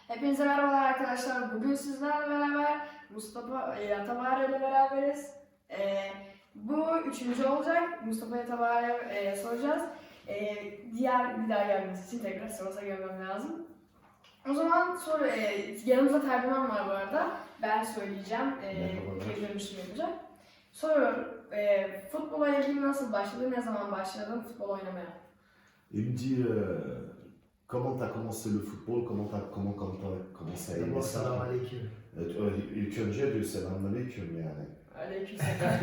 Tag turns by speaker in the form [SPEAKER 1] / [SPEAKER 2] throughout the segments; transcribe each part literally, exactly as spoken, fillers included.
[SPEAKER 1] Hepinize merhabalar arkadaşlar. Bugün sizlerle beraber Mustafa Yatabare ile beraberiz. Ee, bu üçüncü olacak. Mustafa Yatabare'ye e, soracağız. Ee, diğer bir daha gelmesi için tekrar sırasa görmem lazım. O zaman sor, e, yanımızda tercüman var bu arada. Ben söyleyeceğim. E, geri dönüşüm yapacak. Soruyorum. E, futbola ilgili nasıl başladı? Ne zaman başladın futbol oynamaya?
[SPEAKER 2] Il me dit euh, comment tu as commencé le football, comment tu as comment, comment t'as commencé à aimer ça.
[SPEAKER 3] Selam aleyküm.
[SPEAKER 2] Evet, ö- ilk önce diyor selamünaleyküm yani.
[SPEAKER 1] Aleykümselam.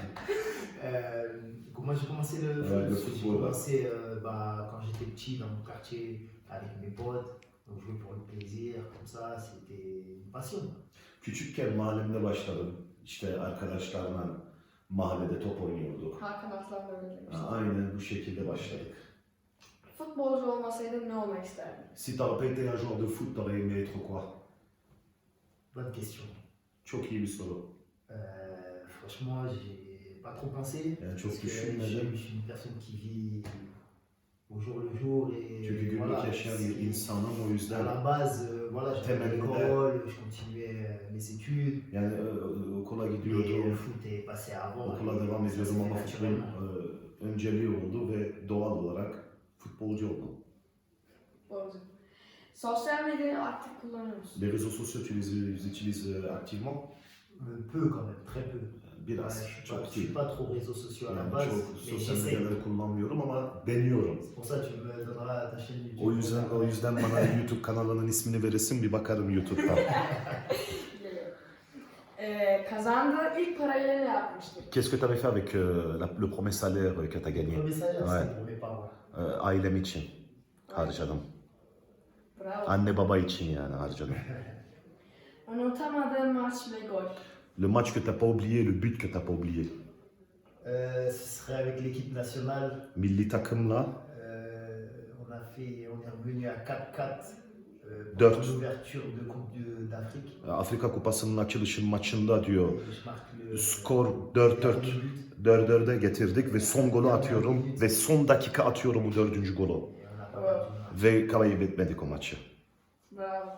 [SPEAKER 3] Euh, moi j'ai commencé le,
[SPEAKER 2] Ouais,
[SPEAKER 3] foot,
[SPEAKER 2] le
[SPEAKER 3] j'ai
[SPEAKER 2] football,
[SPEAKER 3] commencé euh, bah, quand j'étais petit dans mon quartier avec mes potes. Donc jouer pour le plaisir, comme ça, c'était une passion.
[SPEAKER 2] Küçükken mahallemde başladım. İşte arkadaşlarla mahallede top oynuyorduk.
[SPEAKER 1] Hakan Aslan da öyle demişti.
[SPEAKER 2] Ha, Aynen bu şekilde başladık.
[SPEAKER 1] Futbolcu olmasaydın ne olmak isterdin?
[SPEAKER 2] Si t'aurais pas été un joueur de foot, t'aurais aimé être quoi?
[SPEAKER 3] Bonne question.
[SPEAKER 2] Çok iyi bir soru.
[SPEAKER 3] Euh, franchement, j'ai pas trop pensé.
[SPEAKER 2] Yani çok
[SPEAKER 3] Parce que je,
[SPEAKER 2] düşünmedim.
[SPEAKER 3] je suis une personne qui vit au jour le jour et
[SPEAKER 2] Çünkü günlük
[SPEAKER 3] voilà,
[SPEAKER 2] yaşayan bir
[SPEAKER 3] c'est-
[SPEAKER 2] insanım o
[SPEAKER 3] à
[SPEAKER 2] yüzden
[SPEAKER 3] la base, euh, voilà, j'allais à
[SPEAKER 2] Temelinde.
[SPEAKER 3] l'école, je continuais euh, mes études.
[SPEAKER 2] yani e, okula
[SPEAKER 3] Et le
[SPEAKER 2] gidiyordum.
[SPEAKER 3] foot est passé avant.
[SPEAKER 2] Okula
[SPEAKER 3] et
[SPEAKER 2] devam
[SPEAKER 3] ça s'est
[SPEAKER 2] ediyordum
[SPEAKER 3] fait
[SPEAKER 2] ama futbol
[SPEAKER 3] naturellement.
[SPEAKER 2] e, önceliği oldu ve doğal olarak futbolcu oldum.
[SPEAKER 1] Futbolcu. Sosyal medyayı aktif kullanıyor musun?
[SPEAKER 2] Les réseaux sociaux, tu les, les utilises euh, activement?
[SPEAKER 3] Euh, peu quand même, très peu. Ouais,
[SPEAKER 2] Biraz,
[SPEAKER 3] je suis pas,
[SPEAKER 2] çok
[SPEAKER 3] je suis
[SPEAKER 2] değil.
[SPEAKER 3] pas trop réseaux sociaux à la
[SPEAKER 2] Yani
[SPEAKER 3] base,
[SPEAKER 2] çok
[SPEAKER 3] mais
[SPEAKER 2] sosyal
[SPEAKER 3] j'essaie.
[SPEAKER 2] medyaları kullanmıyorum ama deniyorum.
[SPEAKER 3] C'est pour ça que tu me donneras ta chaîne YouTube.
[SPEAKER 2] O yüzden o yüzden bana YouTube kanalının ismini verirsin bir bakarım YouTube'dan.
[SPEAKER 1] Geliyor. Ee, kazandığı ilk parayla ne yapmıştır?
[SPEAKER 2] Qu'est-ce que tu avais fait avec euh, la- le premier salaire que tu as
[SPEAKER 3] Le
[SPEAKER 2] gagné?
[SPEAKER 3] premier salaire,
[SPEAKER 2] Ouais.
[SPEAKER 3] c'était pour mes parents.
[SPEAKER 2] Ee, ailem için harcadım.
[SPEAKER 1] Bravo.
[SPEAKER 2] Anne baba için yani harcadım.
[SPEAKER 1] Unutamadığın maç ve gol.
[SPEAKER 2] Le match que t'as pas oublié, le but que t'as pas oublié.
[SPEAKER 3] Euh, ce serait avec l'équipe nationale.
[SPEAKER 2] Milli takımla
[SPEAKER 3] Euh, on a fait, on est revenu à quatre quatre euh,
[SPEAKER 2] Dört.
[SPEAKER 3] pour l'ouverture de Coupe de- d'Afrique.
[SPEAKER 2] Afrika Kupası'nın açılışın maçında diyor.
[SPEAKER 3] Et je marque le-
[SPEAKER 2] Skor
[SPEAKER 3] le
[SPEAKER 2] dört dört.
[SPEAKER 3] dernier but.
[SPEAKER 2] dört dörde getirdik ve son golü atıyorum ve son dakika atıyorum o dördüncü golü.
[SPEAKER 3] Et on a pas
[SPEAKER 1] Ouais.
[SPEAKER 3] perdu le match.
[SPEAKER 2] Ve kaybetmedik o maçı.
[SPEAKER 1] Bravo.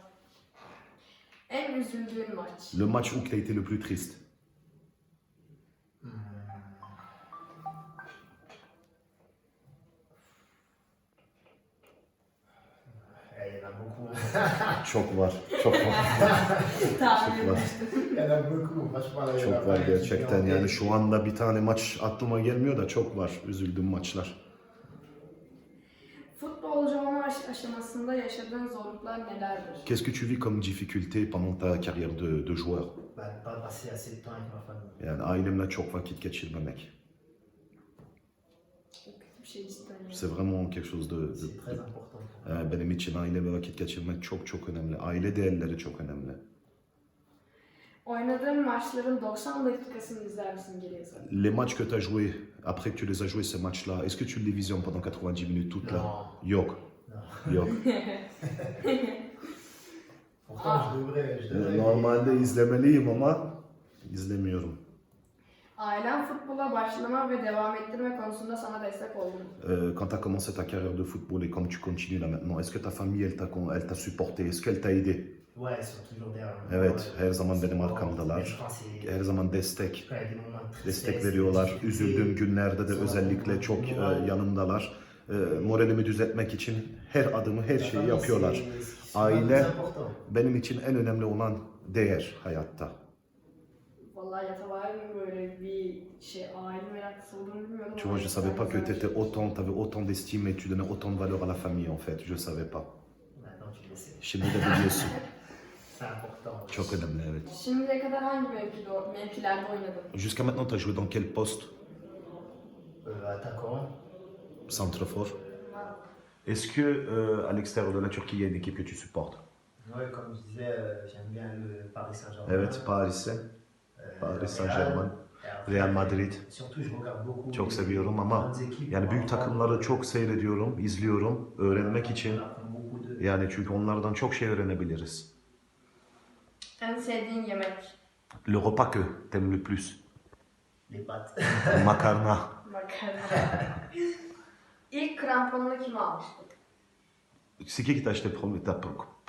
[SPEAKER 1] En üzüldüğün maç.
[SPEAKER 2] Le match où tu as été le plus triste.
[SPEAKER 3] Hmm. Eh, Il y en a beaucoup.
[SPEAKER 2] Çok var, çok var,
[SPEAKER 1] Tahmin
[SPEAKER 2] çok var.
[SPEAKER 1] etmiştim.
[SPEAKER 3] Il y en a beaucoup. Franchement, là, il y en a
[SPEAKER 2] Çok var
[SPEAKER 3] pas
[SPEAKER 2] gerçekten.
[SPEAKER 3] qui
[SPEAKER 2] Yani şu anda bir tane maç aklıma gelmiyor da çok var üzüldüğüm maçlar.
[SPEAKER 1] Futbolcu olma aş- aşamasında yaşadığın zorluklar nelerdir?
[SPEAKER 2] Qu'est-ce que tu vis comme difficulté pendant ta carrière de, de joueur?
[SPEAKER 3] Bah, de pas passer assez de temps avec ma famille.
[SPEAKER 2] Yani ailemle çok vakit geçirmemek.
[SPEAKER 1] Çok kötü bir şey cidden. yani.
[SPEAKER 2] C'est vraiment quelque chose de, de-
[SPEAKER 3] C'est très
[SPEAKER 2] de-
[SPEAKER 3] important. pour moi.
[SPEAKER 2] Ee, benim için ailemle vakit geçirmek çok çok önemli. Aile değerleri çok önemli.
[SPEAKER 1] Oynadığın maçların doksan dakikasını izler misin geriye sarı?
[SPEAKER 2] Les matchs que tu as joués, après que tu les as joués ces matchs-là, est-ce que tu les visionnes pendant quatre-vingt-dix minutes toutes là?
[SPEAKER 3] Non.
[SPEAKER 2] Yok.
[SPEAKER 3] Non.
[SPEAKER 2] Yok.
[SPEAKER 3] Pourtant, je devrais. Je devrais
[SPEAKER 2] Normalde izlemeliyim ama izlemiyorum.
[SPEAKER 1] Ailen futbola başlama ve devam ettirme konusunda sana destek oldu mu?
[SPEAKER 2] Euh, quand tu as commencé ta carrière de football et comme tu continues là maintenant, est-ce que ta famille elle t'a con- elle t'a supporté? Est-ce qu'elle t'a aidé?
[SPEAKER 3] Ouais, ils sont toujours derrière moi.
[SPEAKER 2] Evet,
[SPEAKER 3] Ouais,
[SPEAKER 2] her zaman benim
[SPEAKER 3] c'est-
[SPEAKER 2] arkamdalar.
[SPEAKER 3] je pense que c'est-
[SPEAKER 2] Her zaman destek,
[SPEAKER 3] quand il y a des moments de tristesse,
[SPEAKER 2] destek veriyorlar.
[SPEAKER 3] de
[SPEAKER 2] Üzüldüğüm
[SPEAKER 3] difficulté,
[SPEAKER 2] günlerde de
[SPEAKER 3] sana
[SPEAKER 2] özellikle çok e,
[SPEAKER 3] moral.
[SPEAKER 2] yanımdalar. E, moralimi düzeltmek için her adımı, her
[SPEAKER 3] la
[SPEAKER 2] şeyi
[SPEAKER 3] famille,
[SPEAKER 2] yapıyorlar.
[SPEAKER 3] c'est- c'est
[SPEAKER 2] Aile-
[SPEAKER 3] vraiment important.
[SPEAKER 2] Benim için en önemli olan değer hayatta.
[SPEAKER 1] Vallahi Yatabare'nin böyle bir şey aile meraklısı olduğunu bilmiyordum.
[SPEAKER 2] Tu vois, je savais pas que tu étais autant, tu avais autant d'estime et tu donnais autant de valeur à la famille en fait. Je savais pas.
[SPEAKER 3] Maintenant, tu le sais.
[SPEAKER 2] Şimdi de biliyorsun.
[SPEAKER 3] C'est important.
[SPEAKER 2] Çok önemli evet.
[SPEAKER 1] Şimdiye kadar hangi mevkide, mevkilerde oynadın?
[SPEAKER 2] Jusqu'à maintenant, tu as joué dans quel poste?
[SPEAKER 3] Euh, attaquant.
[SPEAKER 2] Centrefort. Est-ce que euh, à l'extérieur de la Turquie, il y a une équipe que tu supportes?
[SPEAKER 3] Ouais, comme je disais, euh, j'aime bien le Paris Saint-Germain.
[SPEAKER 2] Evet, Paris'e.
[SPEAKER 3] euh,
[SPEAKER 2] Paris
[SPEAKER 3] Real.
[SPEAKER 2] Saint-Germain,
[SPEAKER 3] Et après,
[SPEAKER 2] Real Madrid.
[SPEAKER 3] Surtout, je regarde beaucoup.
[SPEAKER 2] Çok
[SPEAKER 3] les
[SPEAKER 2] seviyorum ama
[SPEAKER 3] grandes équipes
[SPEAKER 2] yani
[SPEAKER 3] pour
[SPEAKER 2] büyük
[SPEAKER 3] apprendre.
[SPEAKER 2] takımları çok seyrediyorum, izliyorum, öğrenmek için.
[SPEAKER 3] On apprend beaucoup de-
[SPEAKER 2] Yani çünkü onlardan çok şey öğrenebiliriz.
[SPEAKER 1] En sevdiğin yemek?
[SPEAKER 2] Le repas que t'aimes le plus?
[SPEAKER 3] Les pâtes.
[SPEAKER 2] Makarna.
[SPEAKER 1] Makarna. İlk kramponunu kim almıştı?
[SPEAKER 2] C'est qui qui t'a acheté le premier- ta pr-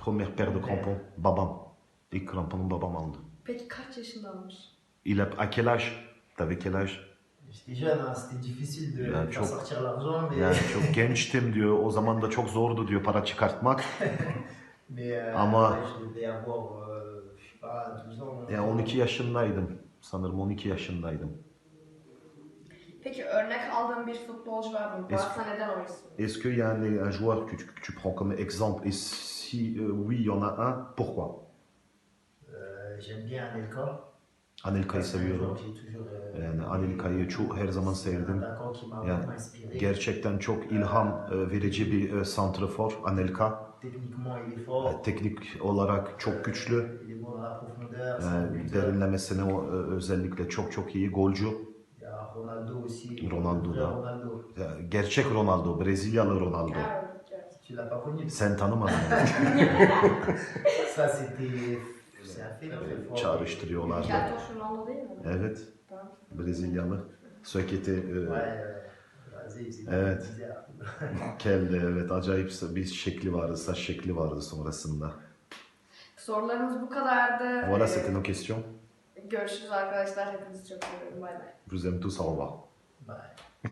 [SPEAKER 2] Première paire de crampons. Babam. İlk kramponu babam aldı.
[SPEAKER 1] Peki kaç yaşında almış?
[SPEAKER 2] Il a, à quel âge? T'avais quel âge?
[SPEAKER 3] J'étais jeune, hein, c'était difficile de
[SPEAKER 2] Ya
[SPEAKER 3] faire
[SPEAKER 2] çok-
[SPEAKER 3] sortir l'argent, mais,
[SPEAKER 2] Yani çok gençtim diyor. O zaman da çok zordu diyor para çıkartmak.
[SPEAKER 3] mais euh,
[SPEAKER 2] Ama-
[SPEAKER 3] ouais, je devais avoir, euh, je sais pas, douze ans. onze
[SPEAKER 2] Yani
[SPEAKER 3] ans.
[SPEAKER 2] on iki yaşındaydım. Sanırım on iki yaşındaydım.
[SPEAKER 1] Peki örnek aldığın bir futbolcu var mı?
[SPEAKER 2] Es-
[SPEAKER 1] Varsa neden o isim?
[SPEAKER 2] Est-ce qu'il y a un, un joueur que tu, que tu prends comme exemple? Et si euh, oui, il y en a un, pourquoi?
[SPEAKER 3] Euh, J'aime bien Anelka.
[SPEAKER 2] Anelka'yı
[SPEAKER 3] C'est un
[SPEAKER 2] seviyorum.
[SPEAKER 3] joueur que j'ai toujours, euh,
[SPEAKER 2] Yani Anelka'yı çok her zaman
[SPEAKER 3] c'est un
[SPEAKER 2] sevdim.
[SPEAKER 3] attaquant qui m'a
[SPEAKER 2] Yani
[SPEAKER 3] vraiment inspiré.
[SPEAKER 2] Gerçekten çok ilham e, verici bir e, santrafor Anelka.
[SPEAKER 3] Techniquement, il est fort.
[SPEAKER 2] E, Teknik olarak çok güçlü.
[SPEAKER 3] Il est bon dans la profondeur. C'est un
[SPEAKER 2] E,
[SPEAKER 3] buteur.
[SPEAKER 2] Derinlemesine o, e, özellikle çok çok iyi golcü.
[SPEAKER 3] Il y a Ronaldo aussi.
[SPEAKER 2] Ronaldo
[SPEAKER 3] le
[SPEAKER 2] da.
[SPEAKER 3] vrai Ronaldo.
[SPEAKER 2] E, Gerçek Ronaldo, Brezilyalı Ronaldo.
[SPEAKER 1] Evet, evet.
[SPEAKER 3] Tu l'as pas connu.
[SPEAKER 2] Sen tanımadın onu.
[SPEAKER 3] Ça, c'était. C'est un phénomène fort.
[SPEAKER 2] Çağrıştırıyorlardı.
[SPEAKER 1] Keltoş Ronaldo değil mi?
[SPEAKER 2] Evet,
[SPEAKER 1] Tamam.
[SPEAKER 2] Brezilyalı. Söketi, e,
[SPEAKER 3] Ouais, ouais. Vas-y, il faisait
[SPEAKER 2] Evet.
[SPEAKER 3] bizarre.
[SPEAKER 2] kelle, evet acayip bir şekli vardı, saç şekli vardı sonrasında.
[SPEAKER 1] Sorularımız bu kadardı.
[SPEAKER 2] Voilà,
[SPEAKER 1] Ee,
[SPEAKER 2] c'était nos questions.
[SPEAKER 1] Görüşürüz arkadaşlar. Hepinizi çok seviyorum. Bay bay.
[SPEAKER 2] Je vous aime tous, au revoir.
[SPEAKER 3] Ouais.